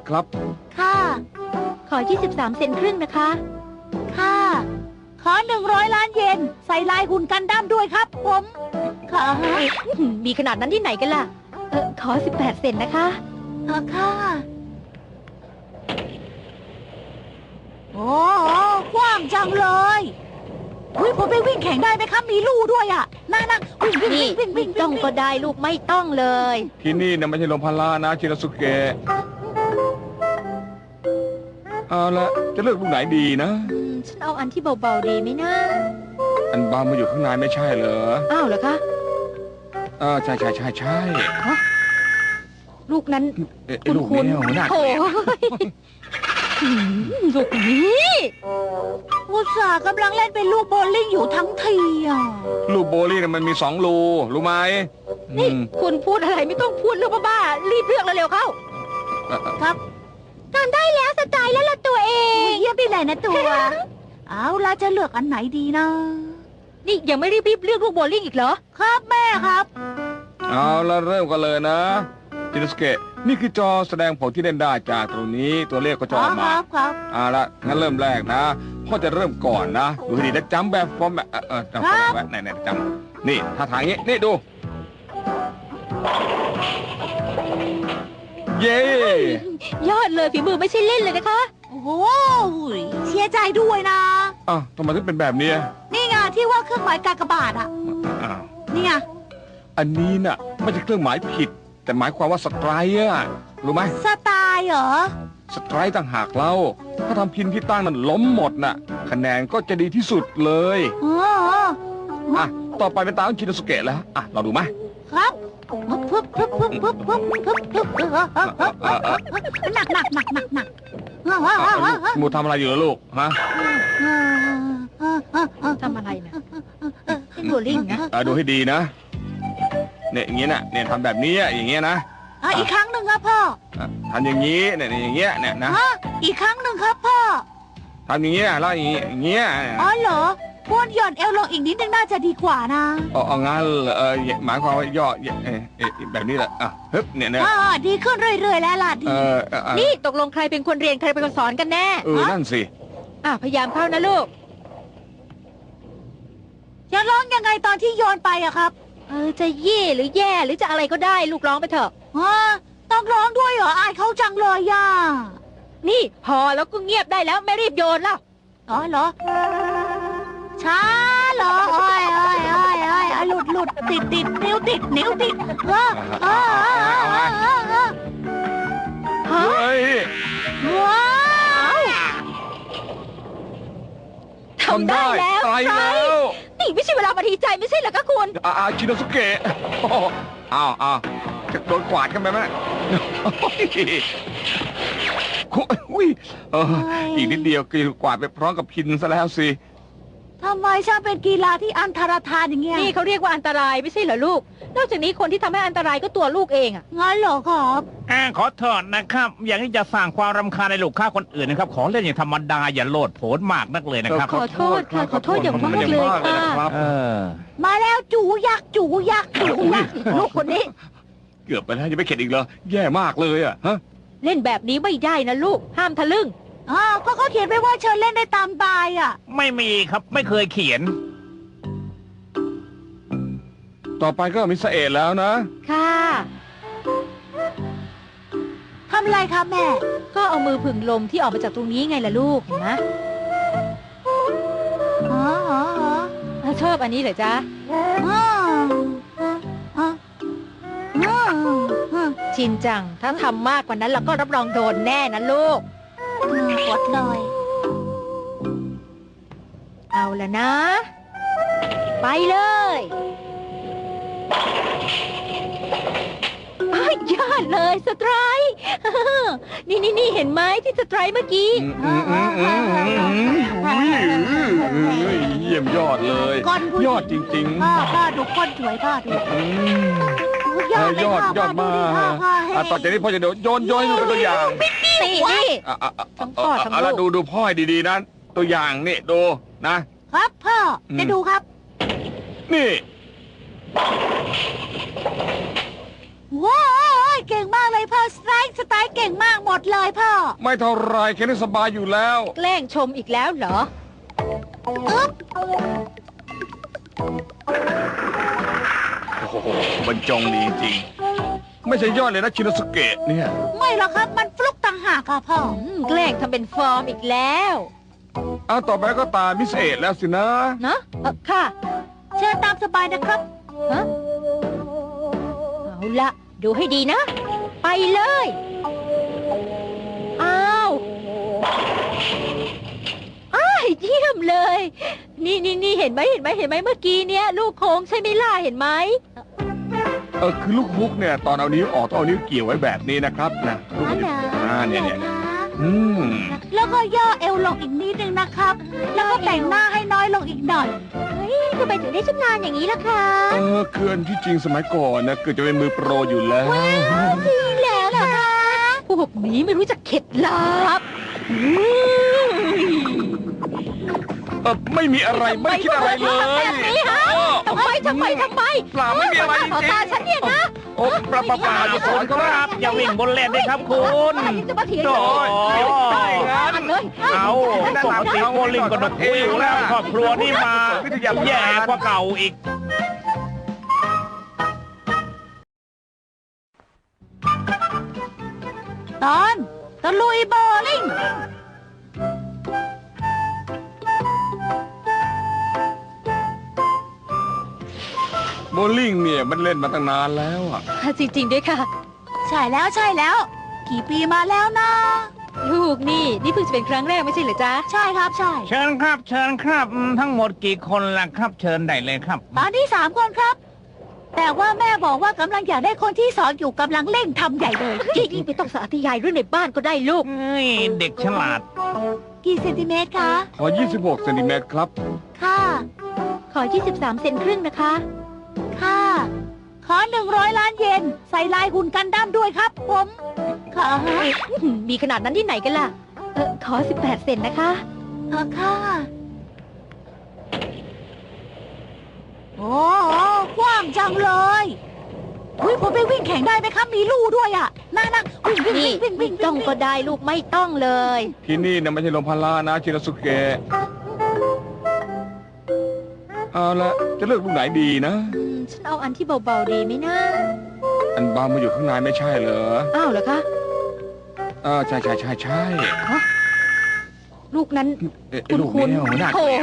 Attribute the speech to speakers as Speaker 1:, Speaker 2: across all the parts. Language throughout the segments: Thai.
Speaker 1: ครับ
Speaker 2: ค่ะ
Speaker 3: ขอ23 เซนครึ่งนะคะ
Speaker 2: ค่ะขอ100 ล้านเยนใส่ลายหุ่นกันดั้มด้วยครับผมค่ะ
Speaker 3: มีขนาดนั้นที่ไหนกันล่ะขอ18 เซนนะคะ
Speaker 2: ค่ะโอ้กว้างจังเลยผมไปวิ่งแข่งได้ไหมครับมีลู่ด้วยอ่ะนั่งวิ่ง
Speaker 3: ต้องก็ได้ลูกไม่ต้องเลย
Speaker 1: ที่นี่นะไม่ใช่โรงพยาบาลนะชินสุเกะเอาละจะเลือกลูกไหนดีนะ
Speaker 3: ฉันเอาอันที่เบาๆดีไหมนะ
Speaker 1: อันบางมาอยู่ข้างในไม่ใช่เหรอ
Speaker 3: อ้าวเหรอคะ
Speaker 1: ใช่
Speaker 3: ลูกนั้น
Speaker 1: ลูกนี้หัวหน้า
Speaker 3: โอ้ลูกนี้
Speaker 2: อุตส่าห์กำลังเล่นเป็นลูกโบลิ่งอยู่ทั้งทีอ่ะ
Speaker 1: ลูกโบลิ่งมันมี2 รูรู้ไหม
Speaker 3: นี่คุณพูดอะไรไม่ต้องพูดเรื่องบ้าๆรีบเลือกเร็วๆเข้า
Speaker 2: ครับ
Speaker 3: ทำได้แล้วสไตล์แล้วละตัวเอง
Speaker 2: เยี่ยมไปเลยนะตัวเอาล่ะจะเลือกอันไหนดีนะ
Speaker 3: นี่ยังไม่รีบเลือกลูกโบลิ่งอีกเหรอ
Speaker 2: ครับแม่ครับ
Speaker 1: เอาละเริ่มกันเลยนะชินสุเกะนี่คือจอแสดงผลที่เล่นได้จากตรงนี้ตัวเลขก็จะออกมา
Speaker 2: ครับ
Speaker 1: เอาละงั้นเริ่มแรกนะพ่อจะเริ่มก่อนนะดูให้ดีนะจำแบบฟอร์มแบบจำแบบไหนจำนี่ท่าทางนี้นี่ดูเย้
Speaker 3: ยอดเลยฝีมือไม่ใช่เล่นเลยนะคะ
Speaker 2: โอ้โหเสียใจด้วยนะ
Speaker 1: ทำไมถึงเป็นแบบนี้
Speaker 2: นี่ไงที่ว่าเครื่องหมายกากบาทอ่ะนี่ไง
Speaker 1: อันนี้น่ะไม่ใช่เครื่องหมายผิดแต่หมายความว่าสไตร์อะรู้ไหม
Speaker 2: สไตล์เหรอ
Speaker 1: สไตร์ต่างหากเราถ้าทำพินที่ตั้งนั้นล้มหมดน่ะคะแนนก็จะดีที่สุดเลยต่อไปเป็นตาของชินสุเกะแล้วเราดูไหม
Speaker 2: ครับหนัก
Speaker 1: มูทำอะไรอยู่ลูกฮะ
Speaker 3: ทำอะไรนะเป็นโบลิ่งนะ
Speaker 1: ดูให้ดีนะเนี่ยอย่างเงี้ยนะเนี่ยทำแบบนี้อย่างเงี้ยนะ
Speaker 2: อีกครั้งหนึ่งครับพ่อ
Speaker 1: ทำอย่างนี้เนี่ยอย่างเงี้ยเนี่ยนะ
Speaker 2: อีกครั้งหนึ่งครับพ่อ
Speaker 1: ทำอย่างเงี้ยแล้วอย่างเงี้ย
Speaker 2: อ๋อเหรอม้วนหย่อนเอวลงอีกนิดนึงน่าจะดีกว่านะ
Speaker 1: งั้นหมายความว่าย่อแบบนี้แหละฮึบเนี่ย
Speaker 2: ดีขึ้นเรื่อยๆแล้วล่ะดี
Speaker 3: นี่ตกลงใครเป็นคนเรียนใครเป็นคนสอนกันแน่
Speaker 1: นั่นสิ
Speaker 3: พยายามเข้านะลูก
Speaker 2: จะร้องยังไงตอนที่โยนไปอะครับ
Speaker 3: จะเย่หรือแย่หรือจะอะไรก็ได้ลูกร้องไปเถอะ
Speaker 2: ต้องร้องด้วยเหรออายเขาจังเลยย่า
Speaker 3: นี่พอแล้วก็เงียบได้แล้วไม่รีบโยนแล้ว
Speaker 2: เหรอช้าเหรอหลุดติดนิ้วติด
Speaker 1: เฮ้ย
Speaker 2: ว้าว
Speaker 3: ทำได้แล้วนี่ไม่ใช่เวลามาทีใจไม่ใช่เหรอคะคุณ
Speaker 1: ชินสุเกะจะโดนกวาดกันไปไหมอีกนิดเดียวกวาดไปพร้อมกับพินซะแล้วสิ
Speaker 2: ทำไมช่างเป็นกีฬาที่อันตรธานอย่างเงี้ย
Speaker 3: นี่เขาเรียกว่าอันตรายไม่ใช่เหรอลูกนอกจากนี้คนที่ทำให้อันตรายก็ตัวลูกเอง
Speaker 2: งั้นเหรอครับ
Speaker 4: ขอโทษนะครับอย่างนี้จะสร้างความรำคาญในลูกค้าคนอื่นนะครับขอเล่นอย่างธรรมดาอย่าโลดโผนมากนักเลยนะครับ
Speaker 3: ขอโทษค่ะขอโทษอย่างมากเลยค่ะ
Speaker 2: มาแล้วจูยักษ์
Speaker 3: ลูกคนนี้
Speaker 1: เกือบไปแล้วยังไม่เข็ดอีกเหรอแย่มากเลยฮะ
Speaker 3: เล่นแบบนี้ไม่ได้นะลูกห้ามทะลึ่ง
Speaker 2: ก็เขาเขียนไว้ว่าเชิญเล่นได้ตามบาย
Speaker 4: ไม่มีครับไม่เคยเขียน
Speaker 1: ต่อไปก็มิสเอตแล้วนะ
Speaker 3: ค่ะ
Speaker 2: ทำอะไรครับแม่
Speaker 3: ก็เอามือผึ่งลมที่ออกมาจากตรงนี้ไงล่ะลูกเห็นไหมชอบอันนี้เหรอจ๊ะชินจังถ้าทำมากกว่านั้นเราก็รับรองโดนแน่นะลูก
Speaker 2: กดเลย
Speaker 3: เอาละนะไปเลยยอดเลยสไตร์นี่เห็นไหมที่สไตร์เมื่อกี้
Speaker 1: เยี่ยมยอดเลยยอดจริง
Speaker 2: ๆพ่อดูก้นสวยพ่อดู
Speaker 1: ยอดมากต่อจากนี้พ่อจะโยนเป็นตัวอย่าง
Speaker 3: นี่
Speaker 1: ทั้งพ่อทั้งลูกดูพ่อดีๆนะตัวอย่างนี่ดู
Speaker 2: นะครับพ่อจะดูครับ
Speaker 1: นี่
Speaker 2: ว้าวเก่งมากเลยพ่อสไตล์เก่งมากหมดเลยพ่อ
Speaker 1: ไม่เท่าไรแค่นี้สบายอยู่แล้ว
Speaker 3: แกล้งชมอีกแล้วเหรอ
Speaker 1: โอ้โหบรรจงดีจริง ไม่ใช่ยอดเลยนะชินสุเกะเนี่ย
Speaker 2: ไม่หรอกครับมันฟลุกต่างหากค่ะพ่อ
Speaker 3: แกล้งทำเป็นฟอร์มอีกแล้ว
Speaker 1: เอาต่อไปก็ตามิสเอะแล้วสินะ
Speaker 3: เนอะค่ะ
Speaker 2: เชิญตามสบายนะครับ
Speaker 3: ฮะเอาละดูให้ดีนะ ไปเลยอ้าวอ้ายเยี่ยมเลย นี่เห็นไหมเมื่อกี้เนี้ยลูกโค้งใช่ไหมล่ะเห็นไหม
Speaker 1: คือลูกฮุกเนี่ยตอนเอานิ้วออกต้องเอานิ้วเกี่ยวไว้แบบนี้นะครับนะลูก
Speaker 2: อ๋อเหรอ
Speaker 1: เนี่ยอืม
Speaker 2: แล้วก็ย่อเอวลงอีกนิดนึงนะครับ แล้วก็แต่งหน้าให้น้อยลงอีกหน่อย
Speaker 3: เฮ้ยทำไมถึงได้ชำนาญอย่างนี้ล่ะคะ
Speaker 1: คืออันที่จริงสมัยก่อนนะเกิดจะเป็นมือโปรอยู่แล้ว
Speaker 3: จริงแล้วเหรอคะพวกนี้ไม่รู้จักเข็ดลับ
Speaker 1: ไม่มีอะไรไม่คิดอะไรเลย
Speaker 3: แบบนี้ฮะทำไม
Speaker 1: เปล่าไม่มีอะไรจ
Speaker 3: ต่อ
Speaker 1: ริง
Speaker 3: ตาฉันเนี่ยนะ
Speaker 1: โอ้ปลาอย่าสอน
Speaker 4: ค
Speaker 1: เขา
Speaker 4: รับ อย่าวิ่งบนเลนเลยครับคุณ
Speaker 3: จะมาเถียง
Speaker 4: โอ้ย
Speaker 3: เลย
Speaker 4: เอาปกติโบลิ่งก็ดกหูอยู่แล้วครอบครัวนี่มาแย่กว่าเก่าอีก
Speaker 2: ตอนตะลุยโบว์ลิ่ง
Speaker 1: โบลิ่งเนี่ยมันเล่นมาตั้งนานแล้วอ่ะ
Speaker 3: จริงๆด้วยค่ะ
Speaker 2: ใช่แล้ว กี่ปีมาแล้วนะ
Speaker 3: ลูกนี่เพิ่งจะเป็นครั้งแรกไม่ใช่เหรอจ๊ะ
Speaker 2: ใช่ครับใช่
Speaker 4: เชิญครับทั้งหมดกี่คนล่ะครับ เชิญได้เลยครับ
Speaker 2: ตอนนี้3 คนครับ แต่ว่าแม่บอกว่ากำลังอยากได้คนที่2อยู่กำลังเร่งทำใหญ่เลย
Speaker 3: ยิ่งไม่ต้องสาธยายเรื่องในบ้านก็ได้ลูก
Speaker 4: เอ้ยเด็กฉลาด
Speaker 2: กี่เซนติเมตรคะ
Speaker 1: ขอ 26 เซนติเมตรครับ
Speaker 2: ค่ะ
Speaker 3: ขอ 23 เซนครึ่งนะคะ
Speaker 2: ค่ะ ขอ100 ล้านเยนใส่ลายหุ่นกันดั้มด้วยครับ ผมค่ะ
Speaker 3: มีขนาดนั้นที่ไหนกันล่ะ ขอ 18 เซนนะคะ
Speaker 2: ค่ะโอ้กว้างจังเลยอุ้ยผมไปวิ่งแข่งได้ไหมครับ มีลู่ด้วยอ่ะนั่งวิ่ง
Speaker 3: นี่ต้องก็ได้ลูกไม่ต้องเลย
Speaker 1: ที่นี่นะไม่ใช่โรงพยาบาลนะชินสุเกะเอาละจะเลือกลูกไหนดีนะ
Speaker 3: ฉันเอาอันที่เบาๆดีไหมนะ
Speaker 1: อันบางมาอยู่ข้างในไม่ใช่เหรอ
Speaker 3: อ้าวเหรอคะ
Speaker 1: ใช่
Speaker 3: ลูกนั้น
Speaker 1: ไอ้ลูกเนี่ยหัวหน้า
Speaker 3: โถ่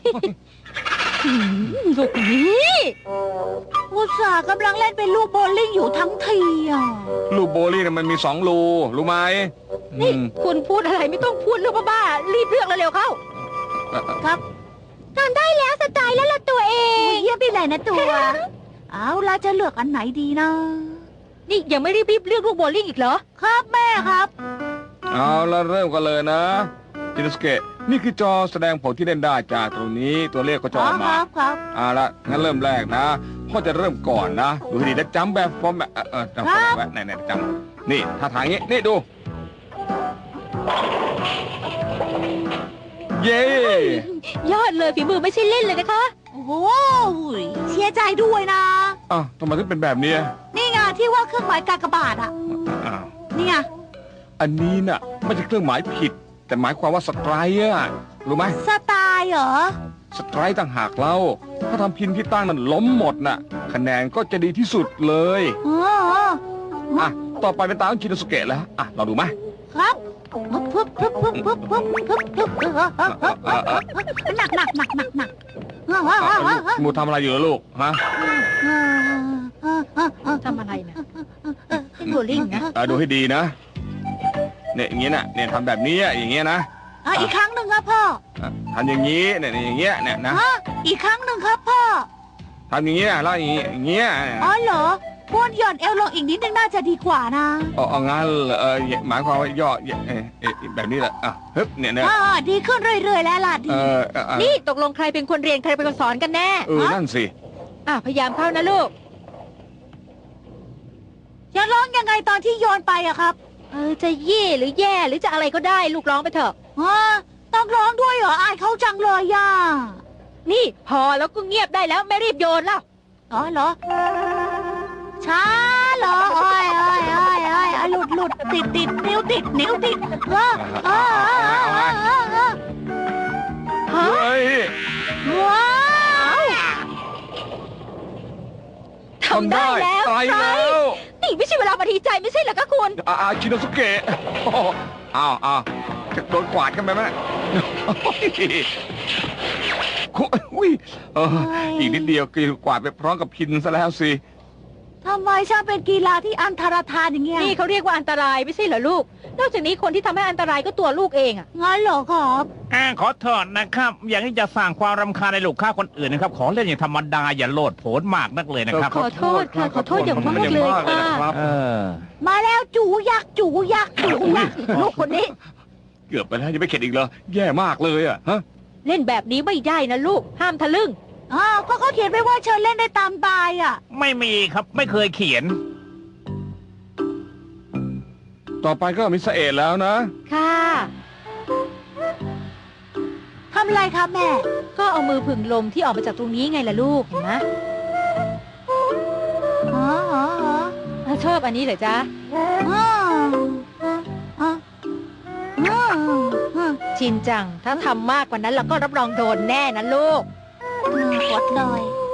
Speaker 3: ลูกนี้
Speaker 2: อุตส่าห์กำลังเล่นเป็นลูกโบว์ลิ่งอยู่ทั้งทีอ่ะ
Speaker 1: ลูกโบลิ่งน่ะมันมี2 รูรู้ไหม
Speaker 3: นี่
Speaker 1: อืม
Speaker 3: คุณพูดอะไรไม่ต้องพูดเรื่องบ้าๆรีบเลือกเร็วๆเข้า
Speaker 2: ครับ
Speaker 3: ทำได้แล้วสไตล์แล้วล่ะตัวเอ
Speaker 2: อุ้ย
Speaker 3: ง
Speaker 2: เยี่ยมไปเลยนะตัว เอาล่ะจะเลือกอันไหนดีนะ
Speaker 3: นี่ยังไม่รีบเลือกลูกโบว์ลิ่งอีกเหรอ
Speaker 2: ครับแม่ครับ
Speaker 1: เอาละเริ่มกันเลยนะชินสุเกะนี่คือจอแสดงผลที่เล่นได้จากตรงนี้ตัวเลขก็จะออกมา
Speaker 2: ครับ
Speaker 1: เอาละงั้นเริ่มแรกนะพ่อจะเริ่มก่อนนะดูให้ดีนะจำแบบฟอร์มแบบจำฟอร์มแบบไหนจำนี่ท่าทางนี้นี่ดู เย้
Speaker 3: ยอดเลยฝีมือไม่ใช่เล่นเลยนะคะ
Speaker 2: โอ้โหเสียใจด้วยนะ
Speaker 1: ทำไมถึงเป็นแบบนี้
Speaker 2: นี่ไงที่ว่าเครื่องหมายกากบาทอ่ะ
Speaker 1: อ้าว
Speaker 2: นี่ไง
Speaker 1: อันนี้น่ะไม่ใช่เครื่องหมายผิด แต่หมายความว่าสไตร์อะรู้ไหม
Speaker 2: สไตล์เหรอ
Speaker 1: สไตร์ต่างหากเล่าถ้าทำพินที่ตั้งนั้นล้มหมดน่ะ คะแนนก็จะดีที่สุดเลย
Speaker 2: อ๋อ
Speaker 1: ต่อไปเป็นตาของชินสุเกะแล้วเราดูไหม
Speaker 2: ครับหนัก
Speaker 1: มูทำอะไรอยู่ล่ะลูกฮะ
Speaker 3: ทำอะไรนะเป็นโบว์ลิ่งนะ
Speaker 1: ดูให้ดีนะเนี่ยอย่างเงี้ยนะเนี่ยทำแบบนี้อย่างเงี้ยนะ
Speaker 2: อีกครั้งหนึ่งครับพ่อ
Speaker 1: ทำอย่างนี้เนี่ยอย่างเงี้ยเนี่ยนะ
Speaker 2: อีกครั้งหนึ่งครับพ่อ
Speaker 1: ทำอย่างเงี้ยแล้วอย่างเงี้ย
Speaker 2: อ๋อเหรอม้วนหย่อนเอวลงอีกนิดนึงน่าจะดีกว่านะ
Speaker 1: เอางั้นหมายความว่าย่อแบบนี้แหละฮึบเนี่ย
Speaker 2: ดีขึ้นเรื่อยๆแล้วล่ะดี
Speaker 3: นี่ตกลงใครเป็นคนเรียนใครเป็นคนสอนกันแน่
Speaker 1: นั่นสิ
Speaker 3: พยายามเข้านะลูก
Speaker 2: จะร้องยังไงตอนที่โยนไปอะครับ
Speaker 3: จะเย่หรือแย่หรือจะอะไรก็ได้ลูกร้องไปเถอะ
Speaker 2: ต้องร้องด้วยเหรออายเขาจังเลยย่า
Speaker 3: นี่พอแล้วก็เงียบได้แล้วไม่รีบโยนแล้ว
Speaker 2: อ๋อเหรอช้าเหรออ้อยดติดนิ้วติดว้า
Speaker 1: เฮ้ย
Speaker 2: ว้าว
Speaker 3: ทำได้แล้ว
Speaker 1: ตายแล้ว
Speaker 3: นี่ไม่ใช่เวลามาดีใจไม่ใช่เหรอคะคุณ
Speaker 1: ชินโนสุเกะโอ้โหอ้าวจะโดนกวาดกันไปไหมอุ้ยอีกนิดเดียวก็กวาดไปพร้อมกับพินซะแล้วสิ
Speaker 2: ทำไมช่างเป็นกีฬาที่อันตรธานอย่างเงี้ย
Speaker 3: นี่เขาเรียกว่าอันตรายไม่ใช่เหรอลูก นอกจากนี้คนที่ทำให้อันตรายก็ตัวลูกเองอะ
Speaker 2: งั้นเหรอครับ
Speaker 4: ขอโทษนะครับ อย่างที่จะสร้างความรำคาญในลูกค้าคนอื่นนะครับ ขอเล่นอย่างธรรมดาอย่าโลดโผนมากนักเลยนะครับ
Speaker 3: ขอโทษค่ะขอโทษอย่างมากเลยค่ะ
Speaker 1: ครับ
Speaker 2: มาแล้วจูยักษ์ลูกคนนี้
Speaker 1: เกือบไปแล้วยังไม่เข็ดอีกเหรอแย่มากเลยอ่ะฮะ
Speaker 3: เล่นแบบนี้ไม่ได้นะลูก ห้ามทะลึ่ง
Speaker 2: ก็เขาเขียนไว้ว่าเชิญเล่นได้ตามบายอ่ะ
Speaker 4: ไม่มีครับไม่เคยเขียน
Speaker 1: ต่อไปก็มิสเอตแล้วนะ
Speaker 3: ค่ะ
Speaker 2: ทำอะไรครับแม่
Speaker 3: ก็เอามือผึ่งลมที่ออกมาจากตรงนี้ไงล่ะลูก เห็นไหมชอบอันนี้เหรอจ๊ะ ชินจัง ถ้าทำมากกว่านั้นเราก็รับรองโดนแน่นะลูก
Speaker 2: กดเลย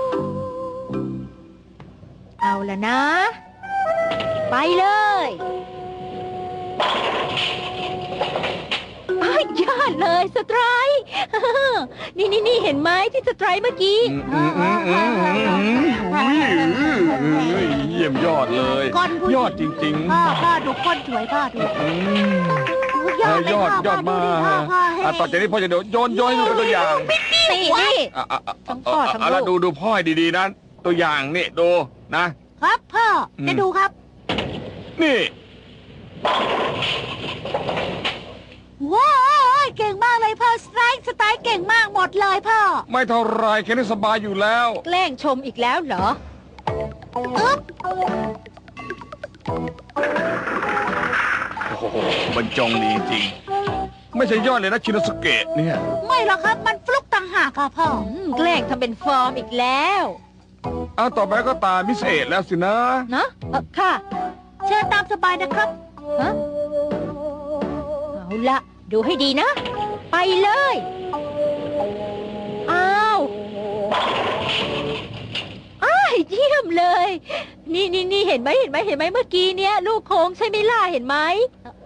Speaker 3: เอาละนะ ไปเลยอ้าวยอดเลยสไตรค์ นี่เห็นไหมที่สไตรค์เมื่อกี้
Speaker 1: เยี่ยมยอดเลย
Speaker 2: ก้อนผู้หญิง
Speaker 1: ยอดจริง
Speaker 2: พ่อดูก้นสวยพ่อดู
Speaker 1: ๆ
Speaker 2: ยอดเลย
Speaker 1: ยอด
Speaker 2: พ่
Speaker 1: ยอดมากต่อจากนี้พ่อจะเดี๋ยวโยนให้ดูเป็นตัวอย่าง
Speaker 3: นี่นี่ ทั้งพ่อทั้งลูก
Speaker 1: แล้วดูพ่อให้ดีๆนะตัวอย่างนี่ดูนะครับ
Speaker 2: พ่อจะดูครับ
Speaker 1: นี่
Speaker 2: ว้าวเก่งมากเลยพ่อสไตล์เก่งมากหมดเลยพ่อ
Speaker 1: ไม่เท่าไรแค่นี้สบายอยู่แล้ว
Speaker 3: แกล้งชมอีกแล้วเหรอ
Speaker 2: อึ๊บ
Speaker 1: โอ้โหบรรจงดีจริงไม่ใช่ยอดเลยนะชินโนสุเกะเนี่ย
Speaker 2: ไม่หรอกครับมันฟลุกต่างหากอะพ่อ
Speaker 3: แกล้งทำเป็นฟอร์มอีกแล้ว
Speaker 1: เอาต่อไปก็ตามมิสเอตแล้วสินะ
Speaker 3: นะค่ะ
Speaker 2: เชิญตามสบายนะครับ
Speaker 3: ฮะเอาละดูให้ดีนะ ไปเลยอ้าวเยี่ยมเลย นี่เห็นไหมเมื่อกี้เนี้ยลูกโค้งใช่ไหมล่ะเห็นไหม